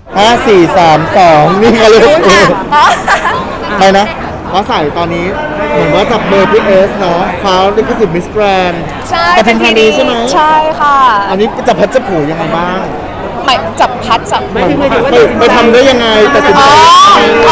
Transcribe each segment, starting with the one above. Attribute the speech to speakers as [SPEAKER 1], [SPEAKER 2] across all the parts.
[SPEAKER 1] 5 4 3 2นี่กันเลย ใครนะฟ้าใสตอนนี้เหมือนว่าจับเบอร์พี่เอสเนาะคว้าลิขสิทธิ์มิสแกรนด์
[SPEAKER 2] ใช่
[SPEAKER 1] ปทุมธานีใช่ไหม
[SPEAKER 2] ใช่ค่ะ
[SPEAKER 1] อันนี้จะพัดจะผูยังไงบ้าง
[SPEAKER 2] หมายจับพัดจับ
[SPEAKER 1] ไปทำได้ยังไงแต่สิน
[SPEAKER 2] อ๋
[SPEAKER 1] ใจ
[SPEAKER 2] อ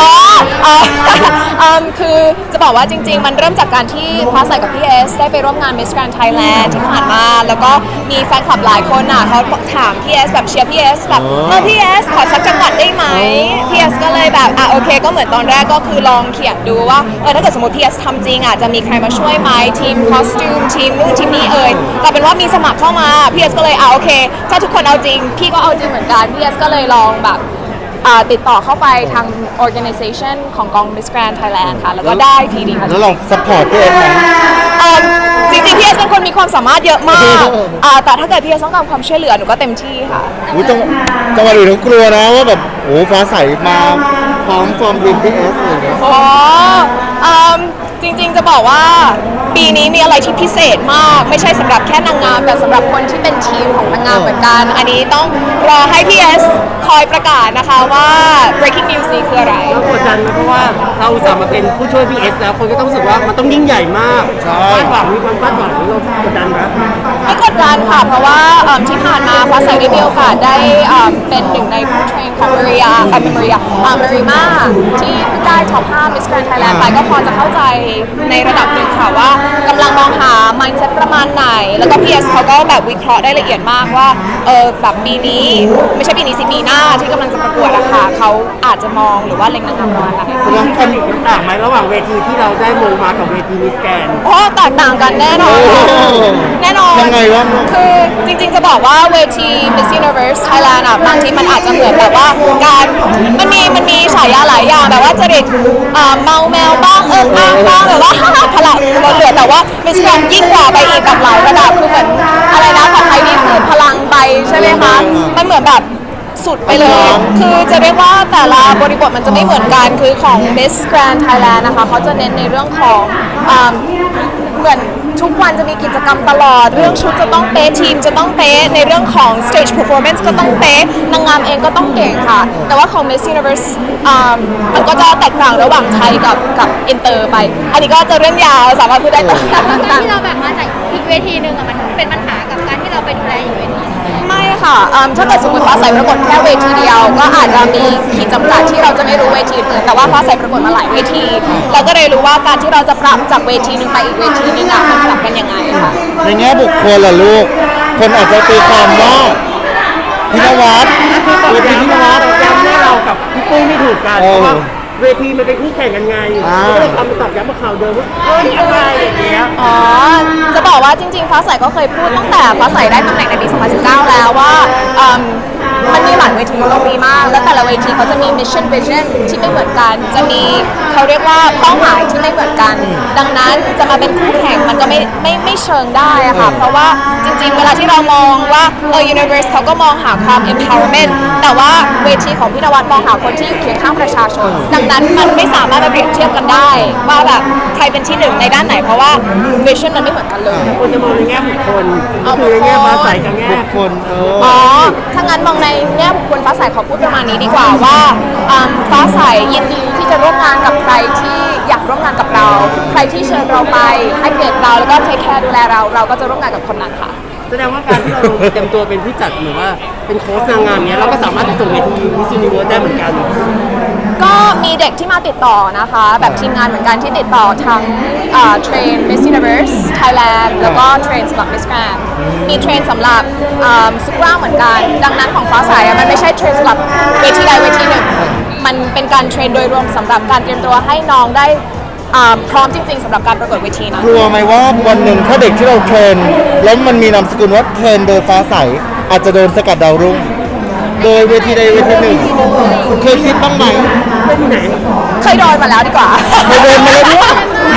[SPEAKER 2] คือจะบอกว่าจริง ๆ มันเริ่มจากการที่ฟ้าใสกับพี่เอสได้ไปร่วมงาน Miss Grand Thailand ที่ผ่านมา แล้วก็มีแฟนคลับหลายคนอ่ะเขาถามพี่เอสแบบเชียร์พี่เอสแบบพี่เอสขอสักจังหวัดได้ไหมพี่เอสก็เลยแบบโอเคก็เหมือนตอนแรกก็คือลองเขียนดูว่าถ้าเกิดสมมติพี่เอสทำจริงอ่ะจะมีใครมาช่วยไหมทีมคอสตูมทีมนู่นทีมนี้ก็เป็นว่ามีสมัครเข้ามาพี่เอสก็เลยโอเคถ้าทุกคนเอาจริงพี่ก็เอาจริงเหมือนกันพี่เอสก็เลยลองแบบติดต่อเข้าไปทาง organization ของกอง Miss Grand Thailand ค่ะ แล้วก็ได้ทีดีค่ะ
[SPEAKER 1] แล้วเราซัพพอร์ตพี่เอสไหม
[SPEAKER 2] จริงๆพี่เอสเป็นคนมีความสามารถเยอะมากแต่ถ้าเกิดพี่เอสต้องการความช่วยเหลือหนูก็เต็มที่ค่ะ
[SPEAKER 1] จังหวะอื่นเขากลัวนะว่าแบบโอ้ฟ้าใสมาพร้อมฟอร์มทีมพี่เอสอะไรอย่างเงี้ย
[SPEAKER 2] จริงๆจะบอกว่าปีนี้มีอะไรที่พิเศษมากไม่ใช่สำหรับแค่นางงามแต่สำหรับคนที่เป็นทีมของนางงามเหมือนกันอันนี้ต้องรอให้พี่เอสคอยประกาศนะคะว่า breaking news นี้คืออะไร
[SPEAKER 3] กดดันไหมเพราะว่าเราอุตส่าห์มาเป็นผู้ช่วยพี่เอสแล้วคนก็ต้องรู้สึกว่ามันต้องยิ่งใหญ่มากคาดหวังมีความคาดหวังเรากดดันไหม
[SPEAKER 2] ไม่กดดันค่ะเพราะว่าที่ผ่านมาฟ้าใสได้มีโอกาสได้เป็นหนึ่งในผู้เทรนของมาริมาที่เพิ่งได้ท็อป5 Miss Grand Thailand ไปก็พอจะเข้าใจในระดับหนึ่งค่ะว่ากำลังมองหา mindset ประมาณไหนแล้วก็ PS เขาก็แบบวิเคราะห์ได้ละเอียดมากว่าแบบปีนี้ไม่ใช่ปีนี้สิปีหน้าที่กำลังจะประกวดอะค่ะเขาอาจจะมองหรือว่าเล็งนางงามประมาณไหน
[SPEAKER 3] แสดงความต่างไหมระหว่างเวทีที่เราได้มงมากับเวทีมิสแกรนด์
[SPEAKER 2] โอ้แตกต่างกันแน่นอนแน่นอน
[SPEAKER 1] ยังไงวะ
[SPEAKER 2] คือจริงๆจะบอกว่าเวที Miss Universe Thailand อะบางทีมันอาจจะเหมือนแบบว่าการมันมีฉายาหลายอย่างแบบว่าจริตเมาแมวบ้างอ้างบ้างแบบว่าพลังเราเหลือแต่ว่า Miss Grand ยิ่งกว่าไปอีกแบบหลายระดับคือเหมือนอะไรนะของไทยนี่คือพลังใบใช่ไหมคะมันเหมือนแบบสุดไปเลย คือจะเรียกว่าแต่ละบริบทมันจะไม่เหมือนกัน คือของ Miss Grand Thailand นะคะเขาจะเน้นในเรื่องของเหมือนทุกวันจะมีกิจกรรมตลอด เรื่องชุดจะต้องเป๊ะทีมจะต้องเป๊ะในเรื่องของ stage performance ก็ต้องเป๊ะนางงามเองก็ต้องเก่งค่ะ แต่ว่าของ Miss Universe มันก็จะแตกต่างระหว่างไทยกับอินเตอร์ไป อันนี้ก็จะเรื่องยาวสามารถพูดได้ต่อ
[SPEAKER 4] การที่เราแบบมาจากอีกเวทีหนึ่งอะมันเป็นปัญหากับการที่เราไปดูแลอีกเวทีหนึ่ง
[SPEAKER 2] ไม่ค่ะถ้าเกิดสมมติฟ้าใสประกวดแค่เวทีเดียว ก็อาจจะมีขีดจำกัดที่เราจะไม่รู้เวทีอื่นแต่ว่าฟ้าใสประกวดมาหลายเวที เราก็เลยรู้ว่าการที่เราจะปรับจากเวทีหนึ่งไปอีกเวทีหนึงอะมันปรับกันยังไงค่ะ
[SPEAKER 1] ในแง่บุคคลล่ะลูก คนอาจจะตีความว่าพินวัตเวทีพินวัต
[SPEAKER 3] ย้ำให้เรากับพี่ปุ้ยไม่ถูกกันเพราะว่าเวทีมันเป็นคู่แข่งกันไงก็เลยทำมาตอบย้ำมาข่าวเดิมว่าเฮ้ยอะไรอย่างเงี้ย
[SPEAKER 2] จะบอกว่าจริงๆฟ้าใสก็เคยพูดตั้งแต่ฟ้าใสได้ตำแหน่งในปี 2019 แล้วว่ามันมีหลายเวทีโลกดีมาก แล้วแต่ละเวทีเขาจะมี mission vision ที่ไม่เหมือนกัน จะมีเขาเรียกว่าเป้าหมายที่ไม่เหมือนกัน ดังนั้นจะมาเป็นคู่แข่งมันก็ไม่เชิงได้อะค่ะ เพราะว่าจริงๆ เวลาที่เรามองว่าuniverse เขาก็มองหาความ empowerment แต่ว่าเวทีของพี่นวัดมองหาคนที่อยู่เคียงข้างประชาชน ดังนั้นมันไม่สามารถมาเปรียบเทียบกันได้ว่าแบบใครเป็นที่หนึ่งในด้านไหน เพราะว่า vision มันไม่เหมือนกันเลย
[SPEAKER 3] คนจะมองในแง่บุคคลก็คือในแง่ฟ้าใสกับแง่
[SPEAKER 1] บุคคล
[SPEAKER 2] ถ้างั้นมองในแง่บุคคลฟ้าใสขอพูดประมาณนี้ดีกว่าว่าฟ้าใสยินดีที่จะร่วมงานกับใครที่อยากร่วมงานกับเรา ใครที่เชิญเราไปให้เกียรติเราแล้วก็เทคแคร์ดูแลเราก็จะร่วมงานกับคนนั้นค่ะ
[SPEAKER 3] แสดงว่าการที่เราเต็มตัวเป็นผู้จัดหรือว่าเป็นโค้ชนางงามเนี้ยเราก็สามารถไปส่งเวทีมิสยูนิเวิร์สได้เหมือนกัน
[SPEAKER 2] ก็มีเด็กที่มาติดต่อนะคะ แบบทีมงานเหมือนกันที่ติดต่อทั้งเทรน Miss Universe Thailand แล้วก็เทรนสำหรับ Miss Grand มีเทรนสำหรับซุปราเหมือนกัน ดังนั้นของฟ้าใสมันไม่ใช่เทรนสำหรับเวทีใดเวทีหนึ่ง มันเป็นการเทรนโดยรวมสำหรับการเตรียมตัวให้น้องได้พร้อมจริงๆสำหรับการประกวดเวทีนะ
[SPEAKER 1] กลัวไหมว่าวันหนึ่งถ้าเด็กที่เราเทรนแล้วมันมีนามสกุลว่าเทรนโดยฟ้าใสอาจจะโดนสกัดดาวรุ่งโดยเวทีใดเวทีหนึ่งเคยคิดบ้างไหม
[SPEAKER 2] เคยโดนมาแล้วดีกว่า
[SPEAKER 1] เคยโดนมาแล้วด้วย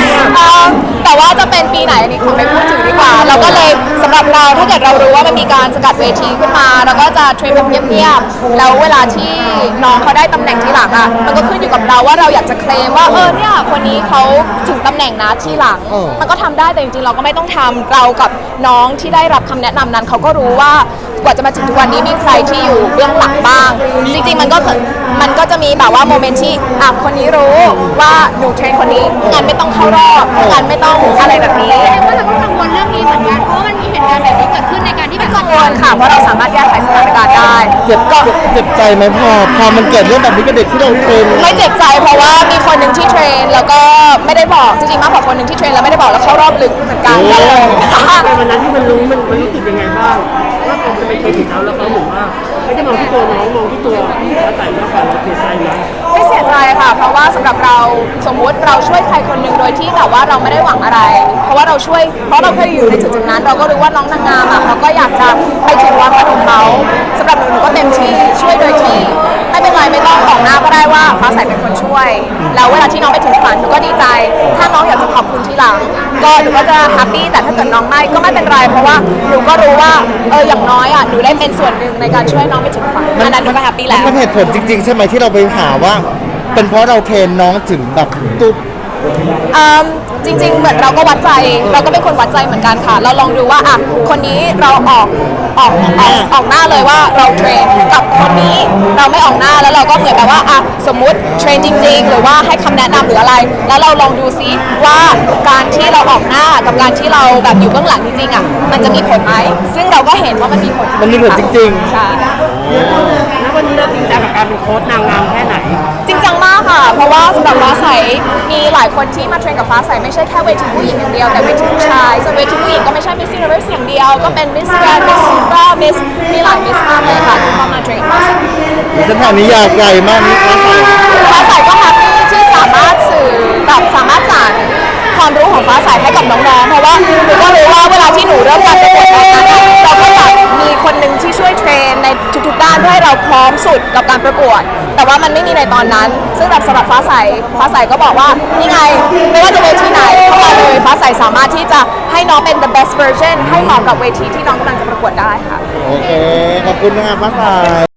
[SPEAKER 2] แต่ว่าจะเป็นปีไหนอันนี้คงไม่พูดถึงดีกว่า เราก็เลยสำหรับเราถ้าเกิดเรารู้ว่ามันมีการสกัดเวทีขึ้นมาเราก็จะเทรนแบบเงียบๆแล้วเวลาที่น้องเขาได้ตำแหน่งที่หลังอ่ะมันก็ขึ้นอยู่กับเราว่าเราอยากจะเคลมว่าเนี่ยคนนี้เขาถึงตำแหน่งนะที่หลัง มันก็ทำได้แต่จริงๆเราก็ไม่ต้องทำเรากับน้องที่ได้รับคำแนะนำนั้นเขาก็รู้ว่ากว่าจะมาถึงทุกวันนี้มีใครที่อยู่เบื้องหลังบ้าง จริงๆมันก็จะมีแบบว่าโมเมนต์ที่คนนี้รู้ว่าหนูเทรนคนนี้งานไม่ต้องเข้ารอบงานไม่ต้องอะไรแบบนี้
[SPEAKER 4] แสดงว่าเราก็กังวลเรื่องนี้เหมือนกันเพราะว่ามันมีเหตุการณ์แบบนี้เกิดขึ้นในการที่แบบ
[SPEAKER 2] กังวลค่ะเพราะเราสามารถแก้ไขสถานการณ์ได้
[SPEAKER 1] เจ็บใจไหมพอมันเกิดเรื่องแบบนี้กับเด็กที่เราเทรน
[SPEAKER 2] ไม่เจ็บใจเพราะว่ามีคนหนึ่งที่เทรนแล้วก็ไม่ได้บอกจริงๆมากกว่าคนหนึ่งที่เทรนแล้วไม่ได้บอกแล้วเข้ารอบลึกเหมือนกัน
[SPEAKER 3] ในวันนั้นที่มันรู้มันรู้สึกยังไงบ้างว่าผมจะไปเครดิตเขาแล้วเขาเหมือนว่าไม่ได้มองที่ตัวน้องมองที่ตัวแล้วใส่แล้วเราเสียใจไหม
[SPEAKER 2] ไม่เสียใจค่ะ เพราะว่าสำหรับเราสมมุติเราช่วยใครคนหนึ่งโดยที่แบบว่าเราไม่ได้หวังอะไร เพราะว่าเราช่วยเพราะเราเคยอยู่ในจุดๆนั้น เราก็รู้ว่าน้องนางงามอ่ะเขาก็อยากจะไปถึงวันฝันของเขาสำหรับหนูก็เต็มที่ช่วยโดยที่ไม่เป็นไรไม่ต้องออกหน้าก็ได้ว่าฟ้าใสเป็นคนช่วย แล้วเวลาที่น้องไปถึงฝันหนูก็ดีใจ ถ้าน้องอยากจะขอบคุณทีหลัง ก็หนูก็จะแฮปปี้แต่ถ้าเกิดน้องไม่ก็ไม่เป็นไร เพราะว่าหนูก็รู้ว่าอย่างน้อยอ่ะหนูได้เป็นส่วนหนึ่งในการช่วยน้องไปถึงฝันอันนั้นหนูก็แฮปปี้แล้ว
[SPEAKER 1] มันเหตุผลจริงๆ ใช่ไหมที่เราไปหาว่า เป็นเพราะเราเทรนน้องถึงแบบตุ๊บ
[SPEAKER 2] จริงๆ เหมือนเราก็วัดใจ เราก็เป็นคนวัดใจเหมือนกันค่ะ เราลองดูว่าคนนี้เราออกหน้าเลยว่าเราเทรนกับคนนี้เราไม่ออกหน้าแล้วเราก็เหมือนแบบว่าสมมุติเทรนจริง ๆ หรือว่าให้คำแนะนำหรืออะไร แล้วเราลองดูซิว่าการที่เราออกหน้ากับการที่เราแบบอยู่เบื้องหลังจริงๆมันจะมีผลไหมซึ่งเราก็เห็นว่ามันมีผล
[SPEAKER 1] มันมีผลจริง
[SPEAKER 2] ใช่
[SPEAKER 3] แล้ววันนี้เราจริงจังกับการเป็นโค้ชนางงามแค่ไหน
[SPEAKER 2] จริงจังมากค่ะ เพราะว่าสำหรับฟ้าใสมีหลายคนที่มาเทรนกับฟ้าใสไม่ใช่แค่เวทีผู้หญิงอย่างเดียวแต่เวทีผู้ชายส่วนเวทีผู้หญิงก็ไม่ใช่ Miss Universe อย่างเดียว ก็เป็น Miss Grand Miss Supra Miss มีหลาย Miss มากเลยค่ะที่เข้ามาเทรนฟ้าใส
[SPEAKER 1] ๆเส้นทางนี้ยาวไกลมากนี่ฟ้าใส
[SPEAKER 2] ฟ้าใสก็แฮปปี้ที่สามารถสื่อแบบสามารถสานความรู้ของฟ้าใสให้กับน้องๆเพราะว่าหนูก็รู้ว่าเวลาที่หนูเริ่มการประกวดตอนนั้นเราก็อยากมีคนหนึ่งที่ช่วยเทรนในทุกๆด้านเพื่อให้เราพร้อมสุดกับการประกวด แต่ว่ามันไม่มีในตอนนั้น ซึ่งแบบสำหรับฟ้าใสก็บอกว่านี่ไงไม่ว่าจะเวทีไหนเข้ามาเลยฟ้าใสสามารถที่จะให้น้องเป็น the best version ให้เหมาะกับเวทีที่น้องกำลังจะประกวดได้ค่ะ
[SPEAKER 1] โอเค ขอบคุณนะครับฟ้าใส